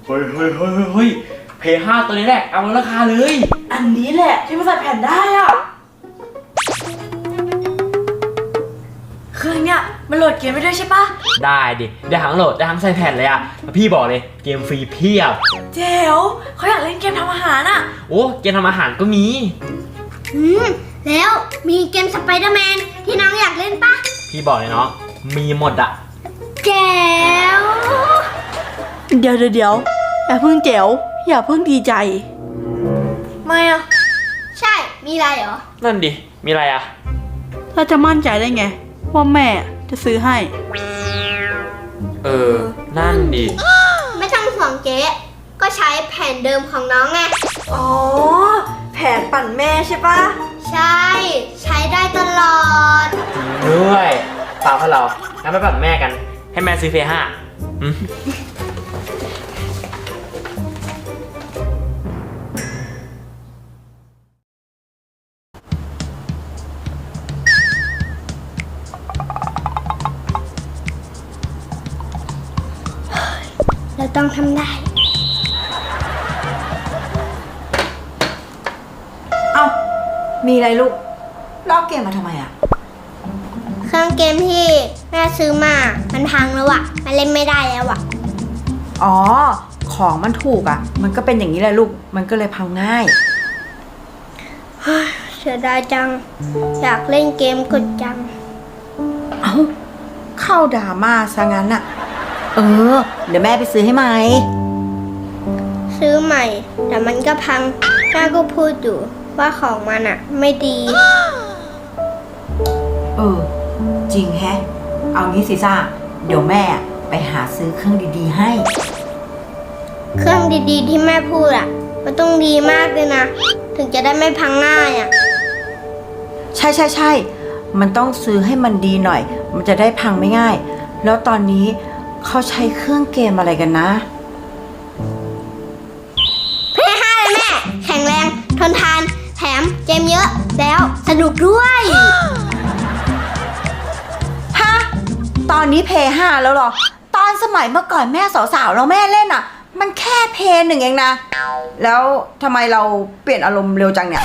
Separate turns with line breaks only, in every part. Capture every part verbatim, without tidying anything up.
ฮ้ยเฮ้ยเฮ้ยเฮ้ยเพย์ห้าตัวนี้แหละเอาราคาเลย
อันนี้แหละที่มันใส่แผ่นได้อ่ะเครื่องเนี้ยมันโหลดเกมได้ด้วยใช่ปะ
ได้ดิได้ทั้งโหลดได้ทั้งใส่แผ่นเลยอะพี่บอกเลยเกมฟรีเพียบ
เจ๋วเขาอยากเล่นเกมทำอาหารอ่ะ
โอ้เกมทำอาหารก็มี
อืมแล้วมีเกมสไปเดอร์แมนที่น้องอยากเล่นปะ
พี่บอกเลยเนาะมีหมดอะ
แจ๋ว
เดี๋ยวเดี๋ยวเดี๋ยวอย่าเพิ่งแจ๋วอย่าเพิ่งดีใจไม่อะ
ใช่มีอะไรเหรอ
นั่นดิมีอะไรอะ
เราจะมั่นใจได้ไงว่าแม่จะซื้อให้
เออนั่นดิ
ไม่ต้องห่วงเจ๊ก็ใช้แผ่นเดิมของน้องไง
อ๋อแผนปั่นแม่ใช่ปะ
ใช่ใช้ได้ตลอด
ด้วยเปล่าพวกเรางั้นไปปั่นแม่กันให้แม่ซื้อเพย์ห้า
เราต้องทำได้
เอ้ามีอะไรลูกลอกเกมมาทำไมอะ
เครื่องเกมที่แม่ซื้อมามันพังแล้วอะมันเล่นไม่ได้แล้วอะ
อ๋อของมันถูกอะมันก็เป็นอย่างนี้แหละลูกมันก็เลยพังง่าย
เสียดายจังอยากเล่นเกมกดจัง
เอ้าเข้าดราม่าซะงั้นอะเออเดี๋ยวแม่ไปซื้อให้ใหม่
ซื้อใหม่แต่มันก็พังแม่ก็พูดอยู่ว่าของมันอะไม่ดี
เออจริงแฮะเอางี้สิซ่าเดี๋ยวแม่ไปหาซื้อเครื่องดีๆให้
เครื่องดีๆที่แม่พูดอะมันต้องดีมากเลยนะถึงจะได้ไม่พังง่ายอะ
ใช่ใช่ใช่มันต้องซื้อให้มันดีหน่อยมันจะได้พังไม่ง่ายแล้วตอนนี้เขาใช้เครื่องเกมอะไรกันนะ
เพย์ห้าเลยแม่แข็งแรงทนทานแถมเกมเยอะแล้วสนุกด้วย
ฮะตอนนี้เพย์ห้าแล้วหรอตอนสมัยเมื่อก่อนแม่สาวๆเราแม่เล่นอ่ะมันแค่เพย์หนึ่งเองนะแล้วทำไมเราเปลี่ยนอารมณ์เร็วจังเนี่ย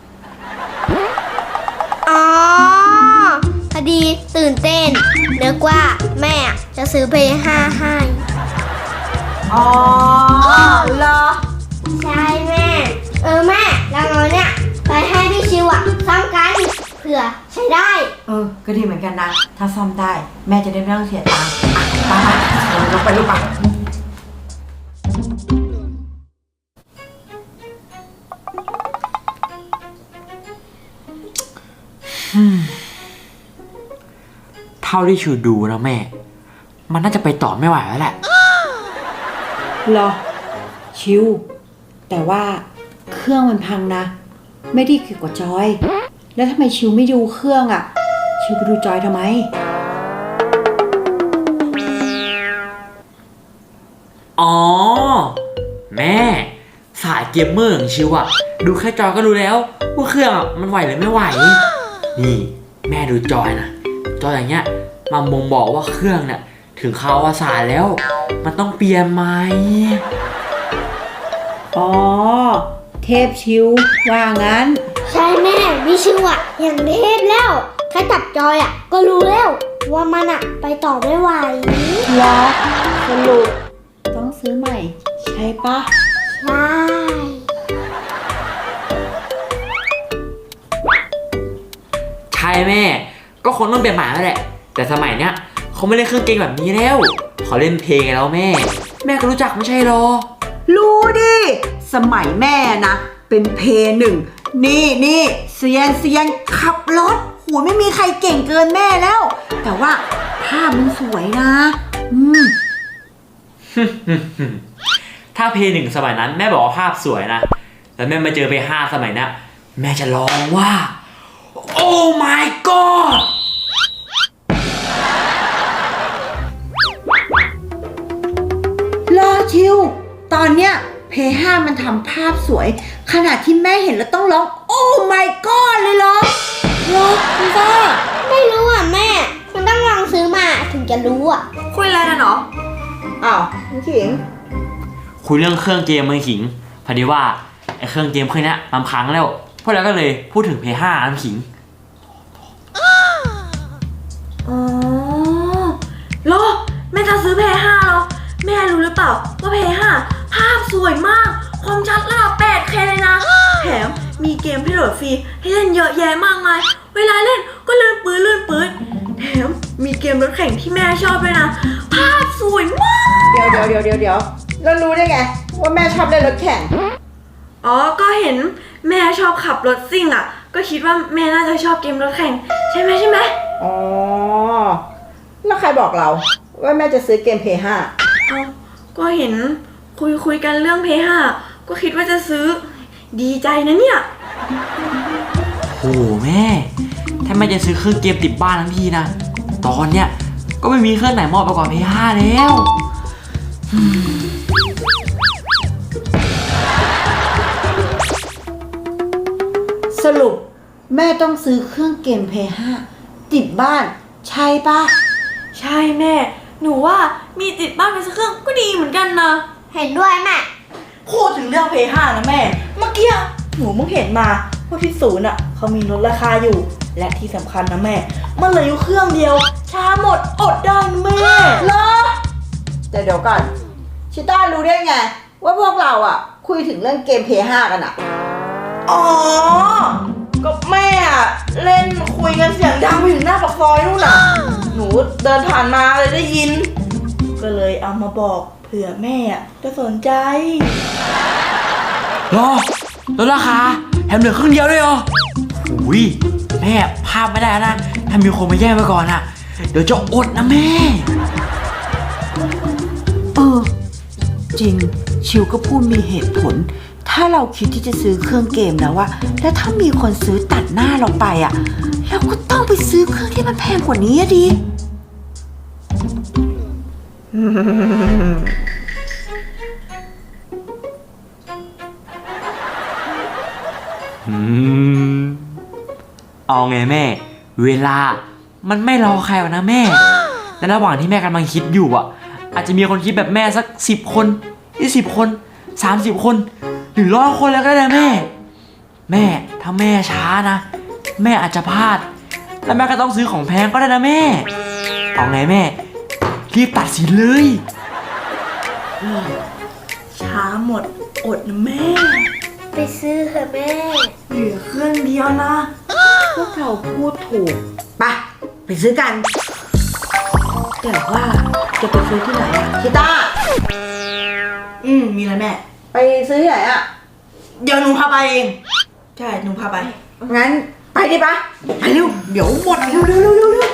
อ๋อพอดีตื่นเต้นนึกว่าแม่จะซื้อเพย์ห้าให้
อ๋อเหรอ
ใช่แม่เออแม่เราเอาเนี่ยไปให้พี่ชิวอะซ่อมกันเผื่อใช้ได้
เออก็ดีเหมือนกันนะถ้าซ่อมได้แม่จะได้ไม่ต้องเสียตังค์อ่ะไปไปลงไปลูกไป
เท่าที่ชูดูนะแม่มันน่าจะไปต่อไม่ไหวแล้วแหละ
หรอชิวแต่ว่าเครื่องมันพังนะไม่ได้เกี่ยวกับจอยแล้วทำไมชิวไม่ดูเครื่องอ่ะชิวไปดูจอยทำไม
อ๋อแม่สายเกมเมอร์ของชิวอะดูแค่จอยก็รู้แล้วว่าเครื่องมันไหวหรือไม่ไหวนี่แม่ดูจอยนะจอยอย่างเงี้ยมันบ่งบอกว่าเครื่องเนี่ยถึงคราวอวสานแล้วมันต้องเปลี่ยนไหม
อ๋อเทพชิวว่างั้น
ใช่แม่วิชิวอะอย่างเทพแล้วแค่จับจอยอะก็รู้แล้วว่ามันอะไปต่อไม่ไหว
แล้วสรุปต้องซื้อใหม่ใช่ปะ
ใช่
ใช่แม่ก็คงต้องเปลี่ยนใหม่แล้วแหละแต่สมัยเนี้ยเขาไม่เล่นเครื่องเกมแบบนี้แล้วเขาเล่นเพลงแล้วแม่แม่ก็รู้จักไม่ใช่หรอ
รู้ดิสมัยแม่นะเป็นเพย์หนึ่งนี่นี่เซียนเซียนขับรถหัวไม่มีใครเก่งเกินแม่แล้วแต่ว่าภาพมันสวยนะอืม
ถ้าเพย์หนึ่งสมัยนั้นแม่บอกว่าภาพสวยนะแล้วแม่มาเจอเพย์ห้าสมัยนี้แม่จะร้องว่าโอ้ my god
รอชิวตอนเนี้ยเพย์ห้ามันทำภาพสวยขนาดที่แม่เห็นแล้วต้องร้องโอ้ my god เลยเหรอเหรอคุณซ่า
ไม่รู้อ่ะแม่มันต้องลองซื้อมาถึงจะรู้อ่ะ
คุยอะไรนะเนาะอ้าวคุณขิง
คุยเรื่องเครื่องเกมมือขิงพอดีว่าไอ้เครื่องเกมเครื่องนี้มันพังแล้วพวกเราก็เลยพูดถึง เพย์ ห้า น้ำขิง
อ๋อโลแม่จะซื้อเพย์ห้าเหรอแม่รู้หรือเปล่าว่าเพย์ห้าภาพสวยมากความชัดระดับ แปดเค เลยนะแถมมีเกมให้โหลดฟรีให้เล่นเยอะแยะมากมายเวลาเล่นก็ลื่นปื้นลื่นปื้นแถมมีเกมรถแข่งที่แม่ชอบด้วยนะภาพสวยมาก
เดี๋ยวเดี๋ยวเดี๋ยวเดี๋ยวเดี๋ยวแล้วรู้ได้ไง ว่าแม่ชอบเล่นรถแข่ง
อ๋อก็เห็นแม่ชอบขับรถซิ่งอ่ะก็คิดว่าแม่น่าจะชอบเกมรถแข่งใช่ไหมใช่ไหม
อ๋อ แล้วใครบอกเรา ว่าแม่จะซื้อเกม เพย์ ห้า
เอาก็เห็นคุยคุยกันเรื่องเพย์ห้าก็คิดว่าจะซื้อดีใจนะเนี่ย
โอ้โหแม่ถ้าแม่จะซื้อเครื่องเกมติดบ้านทั้งทีนะตอนเนี้ยก็ไม่มีเครื่องไหนเหมาะไปกว่า เพย์ ห้า แล้ว
สรุปแม่ต้องซื้อเครื่องเกม เพย์ ห้า ติดบ้าน ใช่ปะ
ใช่แม่ หนูว่ามีติดบ้านไปสักเครื่องก็ดีเหมือนกันนะ
เห็นด้วยแม่
พูดถึงเรื่องเพย์ห้านะแม่ เมื่อกี้หนูเพิ่งเห็นมาว่าที่ศูนย์อ่ะเขามีลดราคาอยู่ และที่สำคัญนะแม่ มันเหลืออยู่เครื่องเดียว ช้าหมดอดได้นะแม่
เหรอแต่เดี๋ยวก่อน ชิต้ารู้ได้ไง ว่าพวกเราอ่ะ คุยถึงเรื่องเกม เพย์ ห้า กันอ่ะ
อ๋อ ก็แม่อะเล่นคุยกันเสียงดังไปถึงหน้าปากซอยนู่นน่ะ หนูเดินผ่านมาเลยได้ยิน ก็เลยเอามาบอกเผื่อแม่อะจะสนใจ
รอลดราคาแถมเหลือครึ่งเดียวด้วยเหรออุ้ยแม่พลาดไม่ได้นะถ้ามีคนมาแย่งไปก่อนอะเดี๋ยวจะอดนะแม่
เออ จริง ชิวก็พูดมีเหตุผล ถ้าเราคิดที่จะซื้อเครื่องเกมแล้วว่าแล้วถ้ามีคนซื้อตัดหน้าเราไปอ่ะเราก็ต้องไปซื้อเครื่องที่มันแพงกว่านี้อะดิ
อืมเอาไงแม่ เวลามันไม่รอใครหรอกนะแม่และระหว่างที่แม่กำลังคิดอยู่อ่ะ อาจจะมีคนคิดแบบแม่สักสิบคนยี่สิบคนสามสิบคนหรือร้อยคนแล้วก็ได้นะแม่ แม่ถ้าแม่ช้านะ แม่อาจจะพลาด แล้วแม่ก็ต้องซื้อของแพงก็ได้นะแม่เอาไงแม่รีบตัดสินเลย
ช้าหมดอดนะแม่
ไปซื้อเถอะแม่
เหลือเครื่องเดียวนะ
พวกเราพูดถูกไปไปซื้อกัน แต่ว่าจะไปซื้อที่ไหนอะชิต้า
อืม มีอะไรแม่
ไปซื้อที่ไหนอะ
เดี๋ยวหนูพาไปเอง ใช่ หนูพาไป
งั้นไปดิปะไปเร็วเดี๋ยวหมดเร็วเร็วเร็วเร็วเร็ว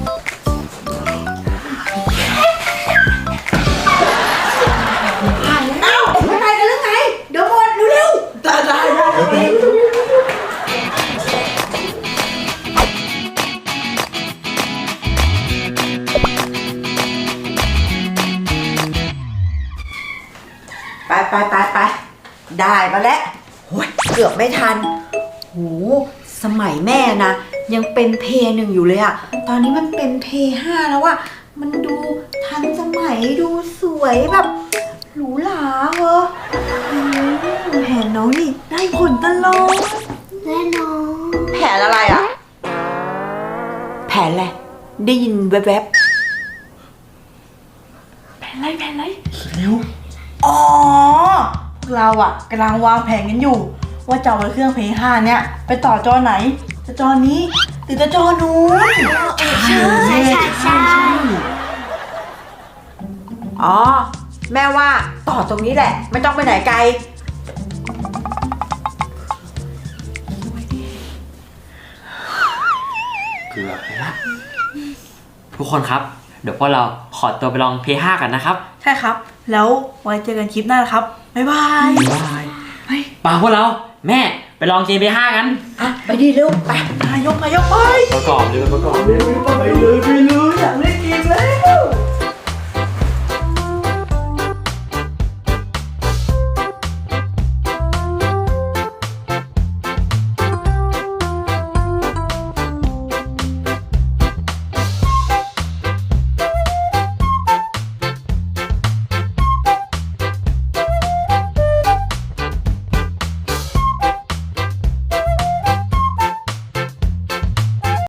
เอ้าไม่ไปกันหรือไงเดี๋ยวหมดเร็วเร็ว
ได้ได้ได้
ไปไปไปไปได้มาแล้วโอ้ยเกือบไม่ทันโหสมัยแม่นะ ยังเป็นเพย์หนึ่งอยู่เลยอะตอนนี้มันเป็นเพย์ห้าแล้วอะมันดูทันสมัยดูสวยแบบหรูหราเหรออืมแผนน้องนี่ได้ผลตลอด
แน่นอน
แผนอะไรอะแผนอะไรได้ยินแวบ
แผนไรแผนไร
อ๋อ พวกเราอ่ะกำลังวางแผนกันอยู่ ว่าจะเอาเครื่องเพย์ห้าเนี้ยไปต่อจอไหน จะจอนี้หรือจะจอนู้น
ใช่ใช่ใช่
ๆอ๋อแม่ว่าต่อตรงนี้แหละ ไม่ต้องไปไหนไกล
เกือบไปละทุกคนครับ เดี๋ยวพวกเราขอตัวไปลอง เพย์ ห้า กันนะครับ
ใช่ครับ แล้วไว้เจอกันคลิปหน้านะครับ บ๊ายบาย
บ๊ายบายป่าพวกเรา แม่ไปลองเกม เพย์ ห้า กัน
อ่ะ ไปดีเร็วไป
นายกนายกไป
ประกอบเลยประกอบเลย
ไปเลยไปเลยอยากเล่นเกมแล้ว